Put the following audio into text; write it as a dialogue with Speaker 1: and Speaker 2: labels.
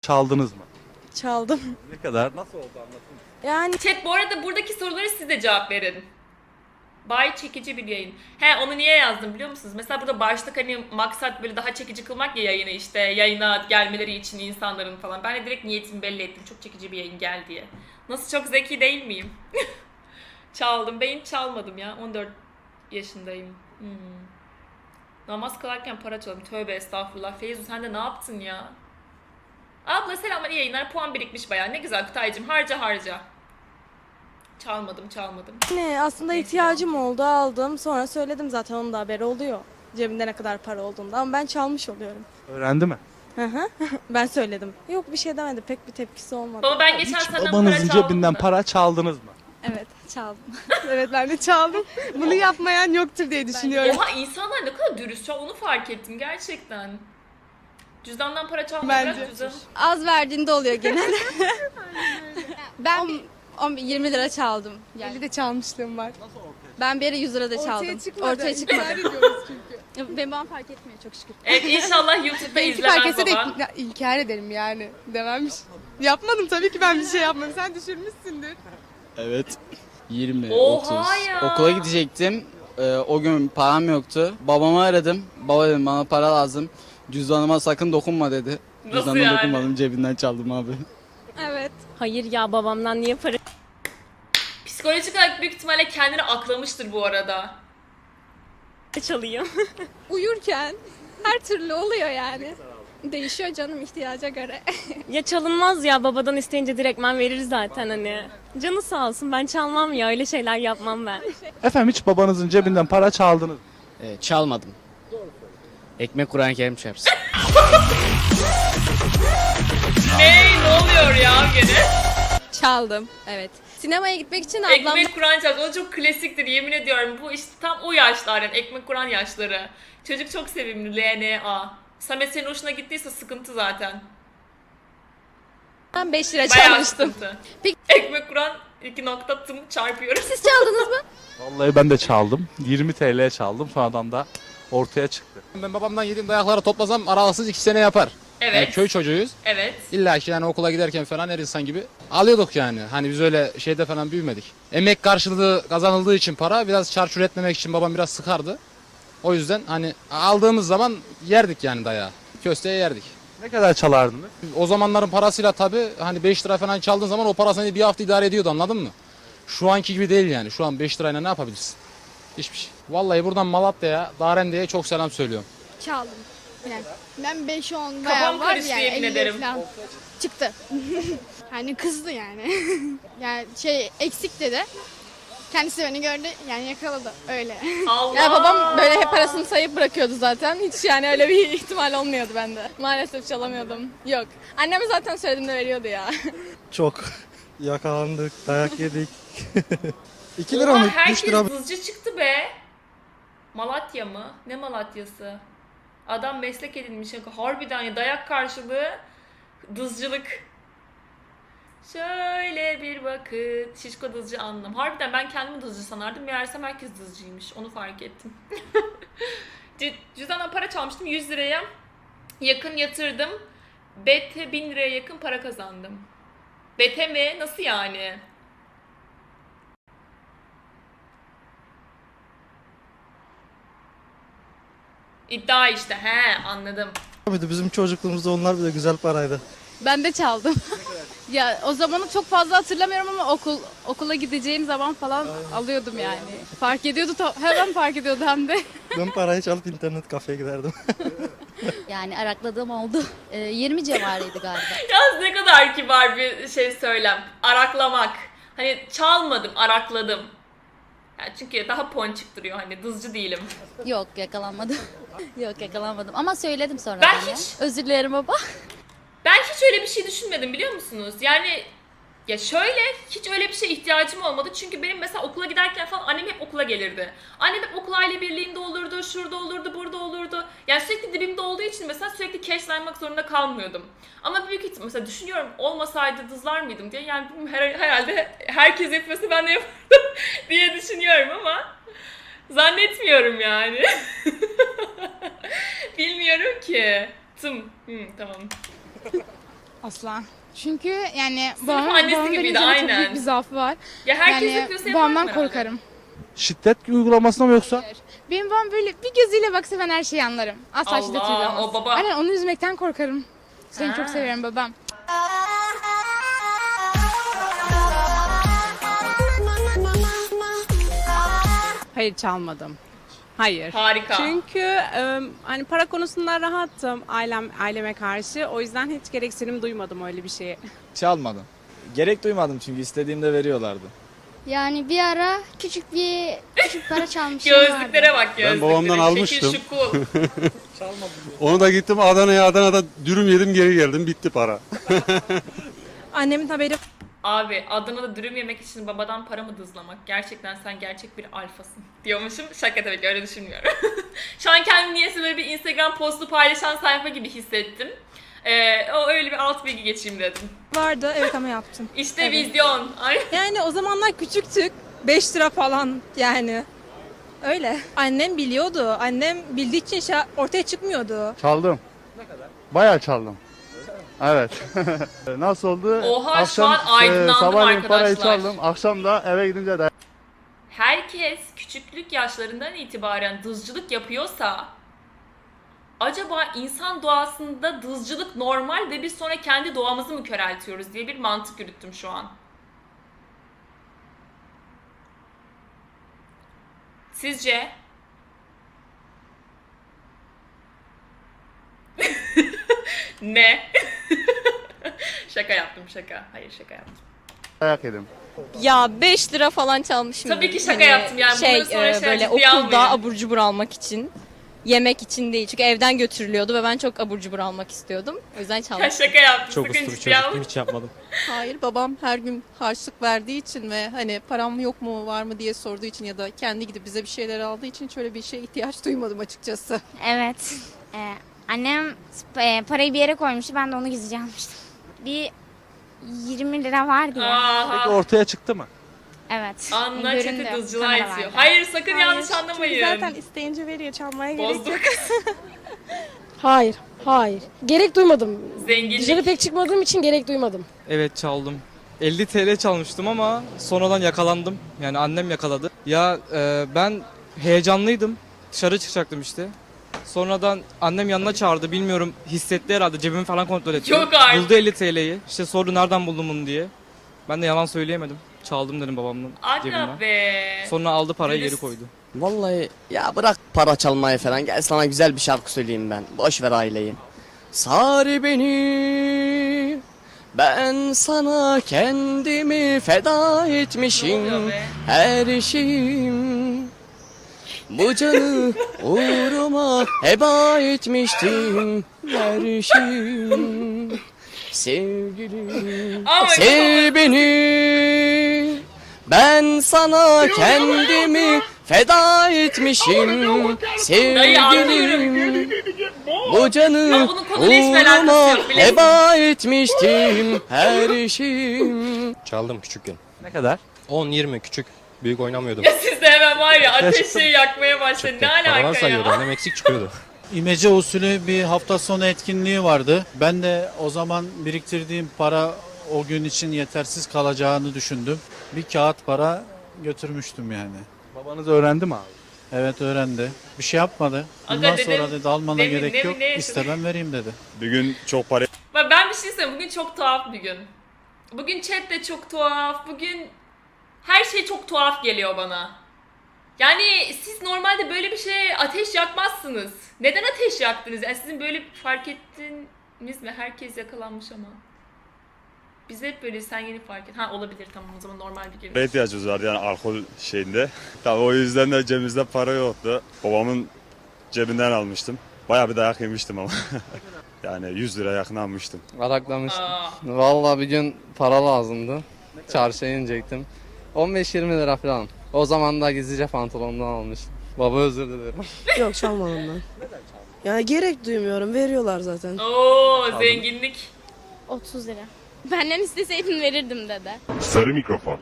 Speaker 1: Çaldınız mı?
Speaker 2: Çaldım.
Speaker 1: Ne kadar? Nasıl oldu anlatın.
Speaker 2: Yani
Speaker 3: Chat, bu arada buradaki soruları siz de cevap verin. Bay çekici bir yayın. He, onu niye yazdım biliyor musunuz? Mesela burada başlık hani maksat böyle daha çekici kılmak ya yayını, işte yayına gelmeleri için insanların falan. Ben de direkt niyetimi belli ettim. Çok çekici bir yayın gel diye. Nasıl, çok zeki değil miyim? Çaldım. Ben hiç çalmadım ya. 14 yaşındayım. Namaz kılarken para çaldım. Tövbe estağfurullah. Feyzu sen de ne yaptın ya? Abla selamlar, iyi yayınlar. Puan birikmiş bayağı. Ne güzel Kutaycığım. Harca harca. Çalmadım.
Speaker 2: aslında ihtiyacım oldu, aldım. Sonra söyledim, zaten onun da haberi oluyor. Cebimde ne kadar para olduğunda, ama ben çalmış oluyorum.
Speaker 1: Öğrendi mi?
Speaker 2: Hı hı. Ben söyledim. Yok, bir şey demedi. Pek bir tepkisi olmadı.
Speaker 3: Baba ben geçen
Speaker 1: Hiç
Speaker 3: senden para
Speaker 1: babanızın
Speaker 3: çaldım
Speaker 1: cebinden
Speaker 3: mı?
Speaker 1: para çaldınız mı?
Speaker 4: Evet, çaldım. Evet, ben de çaldım. Bunu yapmayan yoktur diye düşünüyorum.
Speaker 3: Oha, insanlar ne kadar dürüst şu an, onu fark ettim gerçekten. Cüzdandan para çalmayı
Speaker 4: Bence.
Speaker 3: bırak, cüzdan.
Speaker 4: Az verdiğinde oluyor genelde. Ben 20 lira çaldım. Yani
Speaker 5: 50 de çalmışlığım var.
Speaker 4: ben bir ara 100 lira da çaldım. Ortaya çıkmadı.
Speaker 5: ediyoruz çünkü.
Speaker 4: Benim babam fark etmiyor çok şükür.
Speaker 3: Evet, inşallah YouTube'da
Speaker 5: Belki fark
Speaker 3: izlemez
Speaker 5: etse de
Speaker 3: baba.
Speaker 5: inkar ederim yani. Dememiş. Yapmadım tabii ki, ben bir şey yapmadım. Sen düşürmüşsündür.
Speaker 6: Evet. 20,
Speaker 3: Oha
Speaker 6: 30.
Speaker 3: ya.
Speaker 6: Okula gidecektim. O gün param yoktu. Babamı aradım. Baba dedim, bana para lazım. Cüzdanıma sakın dokunma dedi.
Speaker 3: Nasıl
Speaker 6: Cüzdanıma
Speaker 3: yani?
Speaker 6: dokunmadım, cebinden çaldım abi.
Speaker 4: Evet.
Speaker 7: Hayır ya, babamdan niye para
Speaker 3: Psikolojik olarak büyük ihtimalle kendini aklamıştır bu arada.
Speaker 7: çalayım?
Speaker 4: Uyurken her türlü oluyor yani. Değişiyor canım ihtiyaca göre.
Speaker 7: Ya çalınmaz ya, babadan isteyince direktmen verir zaten hani. Canı sağ olsun, ben çalmam ya, öyle şeyler yapmam ben.
Speaker 1: Efendim hiç babanızın cebinden para çaldınız mı?
Speaker 6: Çalmadım. Ekmek Kur'an-ı Kerim çarpsın.
Speaker 3: Ne oluyor ya gene?
Speaker 4: Çaldım. Evet. Sinemaya gitmek için ablam
Speaker 3: Ekmek Kur'an çaldı. O çok klasiktir, yemin ediyorum. Bu işte tam o yaşlar, yani ekmek Kur'an yaşları. Çocuk çok sevimli, LNA. Samet senin hoşuna gittiyse sıkıntı zaten.
Speaker 4: 5 lira
Speaker 3: Bayağı
Speaker 4: çalmıştım.
Speaker 3: sıkıntı.
Speaker 4: Peki-
Speaker 3: Ekmek Kur'an 2 nokta tım çarpıyoruz.
Speaker 4: Siz çaldınız mı?
Speaker 1: Vallahi ben de çaldım. 20 TL'ye çaldım. Sonradan da ortaya çıktı.
Speaker 8: Ben babamdan yediğim dayakları toplasam aralıksız 2 sene yapar.
Speaker 3: Evet.
Speaker 8: Yani köy çocuğuyuz.
Speaker 3: Evet.
Speaker 8: İlla ki yani okula giderken falan her insan gibi alıyorduk yani. Hani biz öyle şeyde falan büyümedik. Emek karşılığı kazanıldığı için para biraz çarçur etmemek için babam biraz sıkardı. O yüzden hani aldığımız zaman yerdik yani dayağı. Kösteye yerdik.
Speaker 1: Ne kadar çalardınız?
Speaker 8: O zamanların parasıyla tabii hani 5 lira falan çaldığın zaman o para seni bir hafta idare ediyordu, anladın mı? Şu anki gibi değil yani. Şu an 5 lirayla ne yapabilirsin? Hiçbir şey. Vallahi buradan Malatya'ya, Darende'ye çok selam söylüyorum.
Speaker 5: Çaldım. Yani ben 5-10
Speaker 3: Kafam
Speaker 5: bayağı var
Speaker 3: karıştı,
Speaker 5: yani.
Speaker 3: yemin
Speaker 5: 50
Speaker 3: ederim.
Speaker 5: falan çıktı. Hani kızdı yani. Yani eksik dedi. Kendisi beni gördü yani, yakaladı öyle.
Speaker 3: Allah.
Speaker 4: Ya babam böyle hep parasını sayıp bırakıyordu zaten. Hiç yani öyle bir ihtimal olmuyordu bende. Maalesef çalamıyordum. Yok. Anneme zaten söylediğimde veriyordu ya.
Speaker 9: Çok yakalandık, dayak yedik. 2
Speaker 3: Oha,
Speaker 9: lira mı? 3
Speaker 3: herkes
Speaker 9: lira mı?
Speaker 3: hızcı çıktı be. Malatya mı? Ne Malatya'sı? Adam meslek edinmiş. Harbiden ya, dayak karşılığı dızcılık. Şöyle bir vakit. Şişko dızcı anlam. Harbiden ben kendimi dızcı sanardım. Meğersem herkes dızcıymış. Onu fark ettim. Cüzdandan para çalmıştım. 100 liraya yakın yatırdım. BT 1000 liraya yakın para kazandım. BT mi? Nasıl yani? İddia işte. He, anladım.
Speaker 9: Bizim çocukluğumuzda onlar bile güzel paraydı.
Speaker 4: Ben de çaldım. Ya o zamanı çok fazla hatırlamıyorum ama okula gideceğim zaman falan alıyordum yani. Fark ediyordu, hemen fark ediyordu hem de.
Speaker 9: Ben parayı çalıp internet kafeye giderdim.
Speaker 10: Yani arakladığım oldu. 20 civarıydı galiba.
Speaker 3: Yalnız ne kadar kibar bir şey söylem. Araklamak. Hani çalmadım, arakladım. Yani çünkü daha ponçik duruyor, hani dızcı değilim.
Speaker 10: Yok, yakalanmadım. Yok, yakalanmadım ama söyledim sonra.
Speaker 3: Ben
Speaker 10: ya.
Speaker 3: hiç-
Speaker 10: Özür dilerim baba.
Speaker 3: Ben hiç öyle bir şey düşünmedim, biliyor musunuz? Yani ya şöyle, hiç öyle bir şeye ihtiyacım olmadı. Çünkü benim mesela okula giderken falan annem hep okula gelirdi. Annem hep okul aile birliğinde olurdu, şurada olurdu, burada olurdu. Yani sürekli dibimde olduğu için mesela sürekli cash'lenmek zorunda kalmıyordum. Ama büyük ihtimal mesela düşünüyorum, olmasaydı dızlar mıydım diye. Yani herhalde herkes yapıyorsa ben de yapardım diye düşünüyorum ama zannetmiyorum yani. Bilmiyorum ki. Tamam.
Speaker 5: Asla. Çünkü yani
Speaker 3: annesi
Speaker 5: babamın
Speaker 3: gibiydi,
Speaker 5: benim üzerinde çok
Speaker 3: aynen.
Speaker 5: büyük bir zaafı var.
Speaker 3: Ya herkes
Speaker 5: Yani
Speaker 3: yapıyorsa yapar
Speaker 5: babamdan
Speaker 3: herhalde.
Speaker 5: korkarım.
Speaker 1: Şiddet uygulamasına mı yoksa?
Speaker 5: Benim babam böyle bir gözüyle baksa ben her şeyi anlarım. Asla
Speaker 3: Allah,
Speaker 5: şiddet uygulamaz.
Speaker 3: o baba.
Speaker 5: Aynen onu üzmekten korkarım. Seni
Speaker 3: Ha.
Speaker 5: çok seviyorum babam.
Speaker 11: Hayır çalmadım. Hayır.
Speaker 3: Harika.
Speaker 11: Çünkü hani para konusunda rahattım aileme karşı. O yüzden hiç gereksinim duymadım öyle bir şeye.
Speaker 6: Çalmadım. Gerek duymadım çünkü istediğimde veriyorlardı.
Speaker 10: Yani bir ara küçük para çalmışım vardı.
Speaker 3: Gözlüklere bak gözlüklere.
Speaker 12: babamdan almıştım.
Speaker 3: Şekil şukul.
Speaker 12: Onu da gittim Adana'da dürüm yedim geri geldim bitti para.
Speaker 2: Annemin haberi
Speaker 3: Abi Adana'da dürüm yemek için babadan para mı dızlamak? Gerçekten sen gerçek bir alfasın diyormuşum. Şaka tabii ki öyle düşünmüyorum. Şu an kendimi niyeyse böyle bir Instagram postu paylaşan sayfa gibi hissettim. O öyle bir alt bilgi geçeyim dedim.
Speaker 2: vardı, evet ama yaptım.
Speaker 3: İşte
Speaker 2: Evet.
Speaker 3: vizyon. Ay.
Speaker 2: Yani o zamanlar küçüktük. 5 lira falan yani. Öyle. Annem biliyordu. Annem bildiği için ortaya çıkmıyordu.
Speaker 12: Çaldım. Ne kadar? Bayağı çaldım. Evet. Nasıl oldu?
Speaker 3: Oha, şu an aydınlandım
Speaker 12: sabahleyin parayı
Speaker 3: arkadaşlar.
Speaker 12: çaldım. Akşam da eve gidince de
Speaker 3: Herkes küçüklük yaşlarından itibaren dızcılık yapıyorsa acaba insan doğasında dızcılık normal ve biz sonra kendi doğamızı mı köreltiyoruz diye bir mantık yürüttüm şu an. Sizce? Ne? Şaka yaptım şaka. Hayır şaka yaptım.
Speaker 12: dayak yedim.
Speaker 7: Ya 5 lira falan çalmışım.
Speaker 3: Tabii ki şaka yaptım yani. Bunları sonra şey
Speaker 7: böyle
Speaker 3: ciddiye
Speaker 7: okulda
Speaker 3: almayın.
Speaker 7: abur cubur almak için. Yemek için değil. Çünkü evden götürülüyordu ve ben çok abur cubur almak istiyordum. O yüzden
Speaker 3: Ya
Speaker 7: çalmıştım.
Speaker 3: şaka yaptım. Sakın ciddiye almayın.
Speaker 9: hiç yapmadım.
Speaker 11: Hayır, babam her gün harçlık verdiği için ve hani param yok mu var mı diye sorduğu için ya da kendi gidip bize bir şeyler aldığı için şöyle bir şeye ihtiyaç duymadım açıkçası.
Speaker 5: Evet. Annem parayı bir yere koymuştu. Ben de onu gizlice almıştım. Bir 20 lira vardı ya.
Speaker 3: Aha.
Speaker 1: Ortaya çıktı mı?
Speaker 5: Evet.
Speaker 3: Anla
Speaker 5: Göründü.
Speaker 3: çete dızcılığa
Speaker 5: Kameralarda.
Speaker 3: itiyor. Hayır sakın yanlış anlamayın.
Speaker 2: Zaten isteyince veriyor, çalmaya gerek
Speaker 3: Bozduk.
Speaker 2: yok.
Speaker 11: Hayır, hayır. Gerek duymadım.
Speaker 3: Zenginlik.
Speaker 11: pek çıkmadığım için gerek duymadım.
Speaker 6: Evet çaldım. 50 TL çalmıştım ama sonradan yakalandım. Yani annem yakaladı. Ya ben heyecanlıydım. Dışarı çıkacaktım işte. Sonradan annem yanına çağırdı. Bilmiyorum hissetti herhalde. Cebimi falan kontrol etti.
Speaker 3: Yok artık.
Speaker 6: Buldu 50 TL'yi. İşte sordu nereden buldun bunu diye. Ben de yalan söyleyemedim. Çaldım dedim babamın cebinden.
Speaker 3: Aga be.
Speaker 6: Sonra aldı parayı geri
Speaker 3: Dürüst.
Speaker 6: koydu.
Speaker 13: Vallahi ya bırak para çalmayı falan. Gel sana güzel bir şarkı söyleyeyim ben. Boş ver aileyi. Sar beni. Ben sana kendimi feda
Speaker 3: Ne oluyor
Speaker 13: etmişim.
Speaker 3: be?
Speaker 13: Her şeyim. Bu canı uğruma heba etmiştim. Her şeyim. Sevgilim.
Speaker 3: Ama
Speaker 13: Sev beni. Ben sana kendimi feda etmişim. Sevgilim. Bu canı
Speaker 3: Ama bunun konuyla hiçbir alakası
Speaker 13: uğruma
Speaker 3: yok, bilesiniz.
Speaker 13: heba etmiştim. Her şeyim.
Speaker 9: Çaldım küçükken.
Speaker 1: Ne kadar?
Speaker 9: 10-20 küçük. Büyük oynamıyordum.
Speaker 3: Ya siz de hemen var ya ateşi yakmaya başladı. Ne alaka ya?
Speaker 9: Annem eksik çıkıyordu.
Speaker 12: İmece usulü bir hafta sonu etkinliği vardı. Ben de o zaman biriktirdiğim para o gün için yetersiz kalacağını düşündüm. Bir kağıt para götürmüştüm yani.
Speaker 1: Babanız öğrendi mi abi?
Speaker 12: Evet öğrendi. Bir şey yapmadı.
Speaker 3: Aga
Speaker 12: Bundan
Speaker 3: dedim,
Speaker 12: sonra dedi almana
Speaker 3: demin-
Speaker 12: gerek
Speaker 3: demin
Speaker 12: yok.
Speaker 3: ne
Speaker 12: İste ben vereyim dedi. Bir gün çok para
Speaker 3: Bak ben bir şey söyleyeyim. Bugün çok tuhaf bir gün. Bugün chat de çok tuhaf. Bugün her şey çok tuhaf geliyor bana. Yani siz normalde böyle bir şeye ateş yakmazsınız. Neden ateş yaktınız? Yani sizin böyle fark ettiniz mi? Herkes yakalanmış ama. Biz hep böyle sen yeni fark et. Ha olabilir tamam o zaman normal bir gün.
Speaker 12: ihtiyacımız vardı yani alkol şeyinde. Tabii o yüzden de cebimizde para yoktu. Babamın cebinden almıştım. Bayağı bir dayak yemiştim ama. Yani 100 lira yakın almıştım.
Speaker 6: Araklamıştım.
Speaker 3: Aa,
Speaker 6: Vallahi bir gün para lazımdı. Çarşıya inecektim. 15-20 lira falan. O zaman da gizlice pantolondan almıştım. Baba özür dilerim.
Speaker 11: Yok, çalmadım ben. Yani gerek duymuyorum. Veriyorlar zaten.
Speaker 3: Oo zenginlik.
Speaker 5: 30 lira. Benden isteseydin verirdim dede.
Speaker 12: Sarı mikrofon.